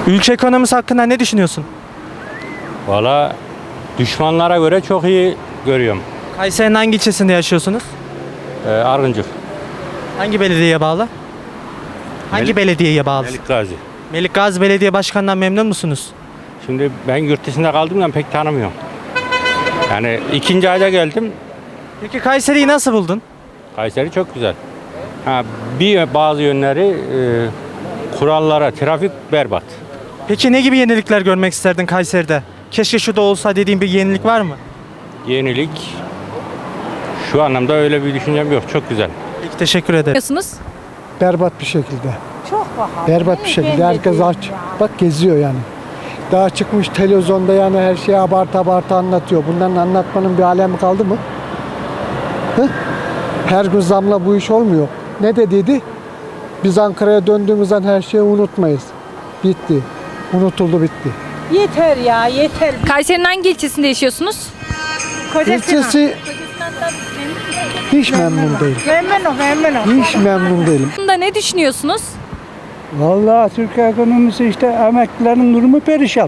Ülke ekonomisi hakkında ne düşünüyorsun? Valla düşmanlara göre çok iyi görüyorum. Kayseri'nin hangi ilçesinde yaşıyorsunuz? Arıncık, Hangi belediyeye bağlı? Hangi belediyeye bağlı? Melik Gazi. Melik Gazi Belediye Başkanı'ndan memnun musunuz? Şimdi ben yurt dışında kaldığımdan pek tanımıyorum. Yani ikinci ayda geldim. Peki Kayseri'yi nasıl buldun? Kayseri çok güzel. Bazı yönleri kurallara, trafik berbat. Peki ne gibi yenilikler görmek isterdin Kayseri'de? Keşke şu da olsa dediğin bir yenilik var mı? Yenilik şu anlamda öyle bir düşüncem yok. Çok güzel. Peki teşekkür ederim. Yapıyorsunuz? Berbat bir şekilde. Çok pahalı. Berbat bir şekilde. Herkes aç. Bak geziyor yani. Daha çıkmış televizyonda yani her şeyi abartı anlatıyor. Bunların anlatmanın bir alemi kaldı mı? Hı? Her gün zamla bu iş olmuyor. Ne dedi? Biz Ankara'ya döndüğümüzden her şeyi unutmayız. Bitti. Unutuldu bitti. Yeter ya yeter. Kayseri'nin hangi ilçesinde yaşıyorsunuz? İlçesi hiç memnun değil. Memnunum. Hiç memnun değilim. Bunda ne düşünüyorsunuz? Vallahi Türkiye ekonomisi işte emeklilerin durumu perişan.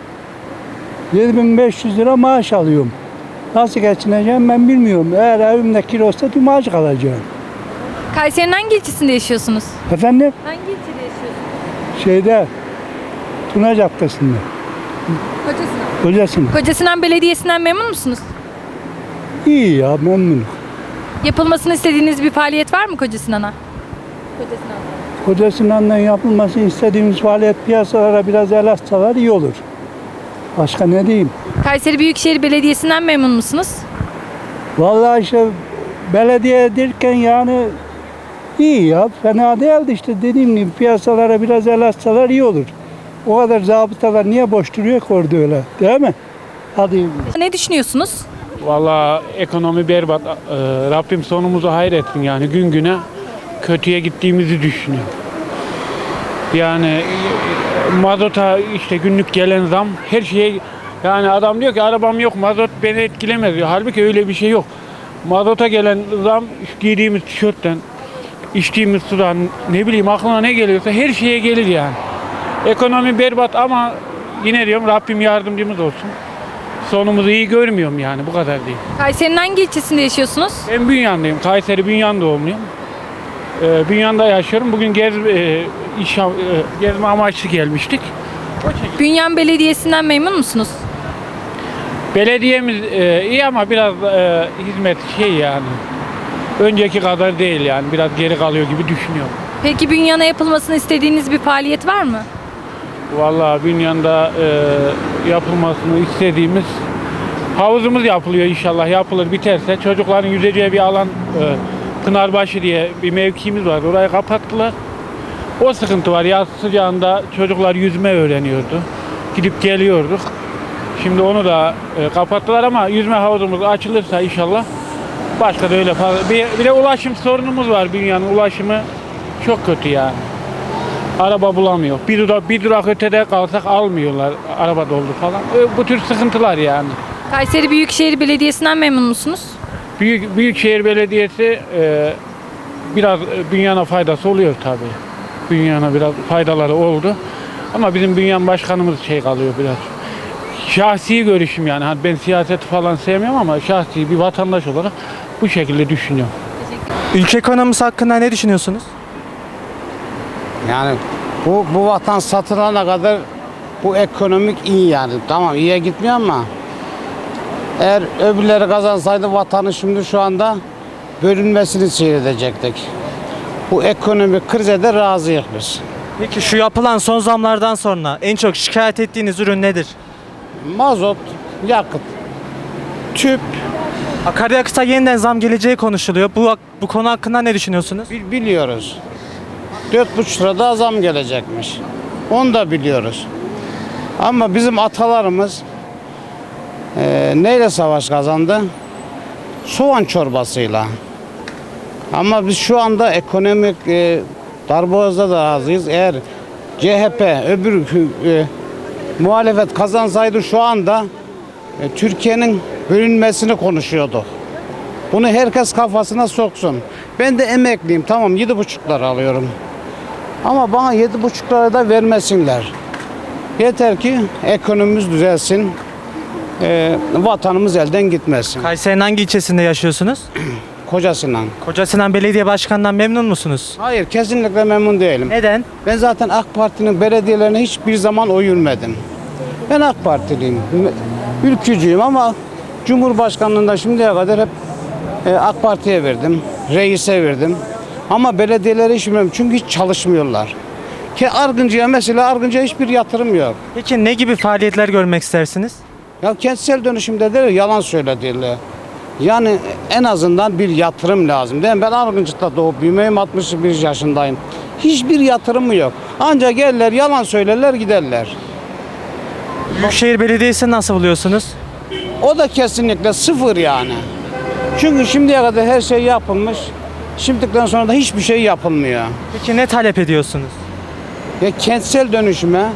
7500 lira maaş alıyorum. Nasıl geçineceğim ben bilmiyorum. Eğer evimde kilosta bir maaş kalacağım. Kayseri'nin hangi ilçesinde yaşıyorsunuz? Efendim Hangi ilçede yaşıyorsunuz? şeyde Tuna Caddesi'nde. Kocasinan. Kocasın. Kocasinan Belediyesi'nden memnun musunuz? İyi ya memnunum. Yapılmasını istediğiniz bir faaliyet var mı Kocasinan'a? Kocasından yapılması istediğimiz faaliyet piyasalara biraz el atsalar iyi olur. Başka ne diyeyim? Kayseri Büyükşehir Belediyesi'nden memnun musunuz? Vallahi işte belediye derken yani iyi ya. Fena değildi işte dediğim gibi piyasalara biraz el atsalar iyi olur. O kadar zabıtalar niye boş duruyor ki orada öyle değil mi? Hadi. Ne düşünüyorsunuz? Vallahi ekonomi berbat. Rabbim sonumuzu hayretsin yani gün güne kötüye gittiğimizi düşünüyorum. Yani mazota işte günlük gelen zam her şeye yani adam diyor ki arabam yok mazot beni etkilemez diyor. Halbuki öyle bir şey yok. Mazota gelen zam giydiğimiz tişörtten, içtiğimiz sudan ne bileyim aklına ne geliyorsa her şeye gelir yani. Ekonomi berbat ama yine diyorum Rabbim yardımcımız olsun. Sonumuzu iyi görmüyorum yani bu kadar değil. Kayseri'nin hangi ilçesinde yaşıyorsunuz? Ben Bünyan'dayım. Kayseri Bünyan doğumluyum. Bünyan'da yaşıyorum. Bugün gezme amaçlı gelmiştik. Bünyan Belediyesi'nden memnun musunuz? Belediyemiz iyi ama biraz hizmet yani. Önceki kadar değil yani. Biraz geri kalıyor gibi düşünüyorum. Peki Bünyan'a yapılmasını istediğiniz bir faaliyet var mı? Vallahi Bünyan'da yapılmasını istediğimiz havuzumuz yapılıyor inşallah. Yapılır biterse. Çocukların yüzeceği bir alan Pınarbaşı diye bir mevkimiz var. Orayı kapattılar. O sıkıntı var. Yaz sıcağında çocuklar yüzme öğreniyordu. Gidip geliyorduk. Şimdi onu da kapattılar ama yüzme havuzumuz açılırsa inşallah başka da öyle fazla. Bir de ulaşım sorunumuz var. Bünyanın ulaşımı çok kötü yani. Araba bulamıyor. Bir durak ötede kalsak almıyorlar. Araba doldu falan. Bu tür sıkıntılar yani. Kayseri Büyükşehir Belediyesi'nden memnun musunuz? Büyükşehir Belediyesi biraz Bünyan'a faydası oluyor tabii. Bünyan'a biraz faydaları oldu. Ama bizim Bünyan başkanımız kalıyor biraz. Şahsi görüşüm yani. Hani ben siyaseti falan sevmiyorum ama şahsi bir vatandaş olarak bu şekilde düşünüyorum. Ülke ekonomisi hakkında ne düşünüyorsunuz? Yani bu vatan satılana kadar bu ekonomik iyi yani. Tamam iyiye gitmiyor ama eğer öbürleri kazansaydı vatanı şimdi şu anda bölünmesini seyredecektik. Bu ekonomik krize de razıyız biz. Peki şu yapılan son zamlardan sonra en çok şikayet ettiğiniz ürün nedir? Mazot, yakıt, tüp Akaryakıta yeniden zam geleceği konuşuluyor. Bu konu hakkında ne düşünüyorsunuz? biliyoruz. 4,5 lira daha zam gelecekmiş. Onu da biliyoruz. Ama bizim atalarımız neyle savaş kazandı? Soğan çorbasıyla. Ama biz şu anda ekonomik darboğazda da razıyız. Eğer CHP öbür muhalefet kazansaydı şu anda Türkiye'nin bölünmesini konuşuyordu. Bunu herkes kafasına soksun. Ben de emekliyim. Tamam 7,5 lira alıyorum. Ama bana 7,5 lira da vermesinler. Yeter ki ekonomimiz düzelsin. Vatanımız elden gitmesin. Kayseri'nin hangi ilçesinde yaşıyorsunuz? Kocasından. Kocasinan Belediye Başkanı'ndan memnun musunuz? Hayır, kesinlikle memnun değilim. Neden? Ben zaten AK Parti'nin belediyelerine hiçbir zaman oy vermedim. Ben AK Partiliyim. Ülkücüyüm ama Cumhurbaşkanlığında şimdiye kadar hep AK Parti'ye verdim. Reis'e verdim. Ama belediyelere hiç vermedim. Çünkü hiç çalışmıyorlar. Ki Argıncı'ya mesela Argıncı'ya hiçbir yatırım yok. Peki ne gibi faaliyetler görmek istersiniz? Ya kentsel dönüşümde de yalan söylediler. Yani en azından bir yatırım lazım. Değil mi? Ben Argıncık'ta doğup büyümeyim, 61 yaşındayım. Hiçbir yatırımı yok. Ancak gelirler, yalan söylerler, giderler. Büyükşehir Belediyesi nasıl buluyorsunuz? O da kesinlikle sıfır yani. Çünkü şimdiye kadar her şey yapılmış. Şimdiden sonra da hiçbir şey yapılmıyor. Peki ne talep ediyorsunuz? Ya kentsel dönüşüme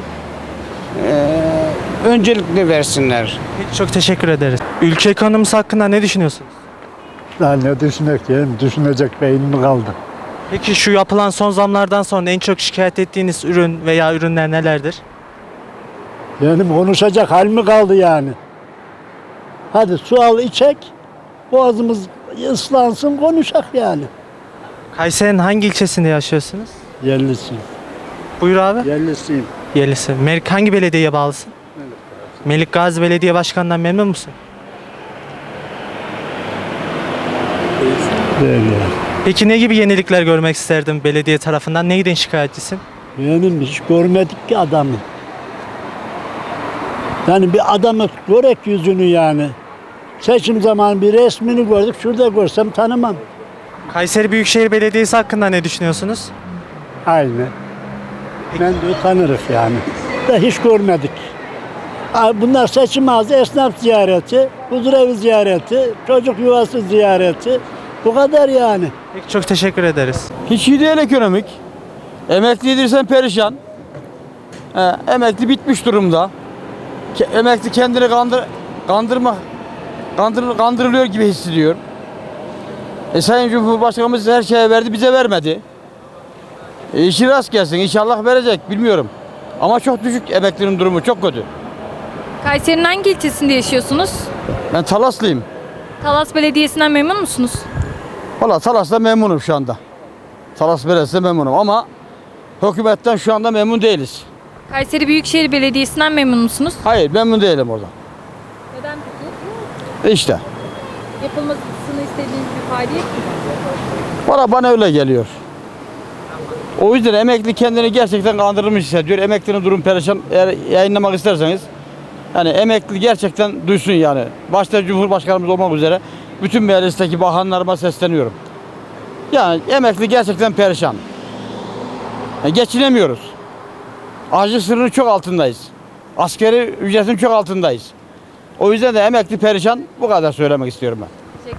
öncelikli versinler. Peki, çok teşekkür ederiz. Ülke ekonomisi hakkında ne düşünüyorsunuz? Daha ne düşüneceğim? Düşünecek beynim kaldı. Peki şu yapılan son zamlardan sonra en çok şikayet ettiğiniz ürün veya ürünler nelerdir? Benim konuşacak hal mi kaldı yani? Hadi su al içek, boğazımız ıslansın konuşak yani. Kayseri'nin hangi ilçesinde yaşıyorsunuz? Yerlisiyim. Buyur abi. Yerlisiyim. Yerlisi. Hangi belediyeye bağlısın? Melik Gazi Belediye Başkanı'ndan memnun musun? Değil yani. Peki ne gibi yenilikler görmek isterdin belediye tarafından? Neyden şikayetçisin? Benim hiç görmedik ki adamı. Yani bir adamı görek yüzünü yani. Seçim zamanı bir resmini gördük. Şurada görsem tanımam. Kayseri Büyükşehir Belediyesi hakkında ne düşünüyorsunuz? Aynı. Ben de tanırız yani. Da hiç görmedik. Bunlar seçim ağzı, esnaf ziyareti, huzurevi ziyareti, çocuk yuvası ziyareti. Bu kadar yani. Peki çok teşekkür ederiz. Hiç iyi değil ekonomik. Emekli edirsen perişan. Emekli bitmiş durumda. Emekli kendini kandırılıyor gibi hissediyor. Sayın Cumhurbaşkanımız her şeye verdi, bize vermedi. İşi rast gelsin, inşallah verecek, bilmiyorum. Ama çok düşük, emeklinin durumu çok kötü. Kayseri'nin hangi ilçesinde yaşıyorsunuz? Ben Talaslıyım. Talas Belediyesi'nden memnun musunuz? Valla Talas'ta memnunum şu anda. Talas Belediyesi'nde memnunum ama hükümetten şu anda memnun değiliz. Kayseri Büyükşehir Belediyesi'nden memnun musunuz? Hayır, memnun değilim orada. Neden peki? İşte. Yapılmasını istediğiniz bir faaliyet mi? Valla bana öyle geliyor. O yüzden emekli kendini gerçekten kandırılmış hissediyor. Emeklinin durum perişan. Eğer yayınlamak isterseniz yani emekli gerçekten duysun yani. Başta Cumhurbaşkanımız olmak üzere bütün meclisteki bakanlarıma sesleniyorum. Yani emekli gerçekten perişan. Yani geçinemiyoruz. Açlık sınırının çok altındayız. Askeri ücretin çok altındayız. O yüzden de emekli perişan, bu kadar söylemek istiyorum ben.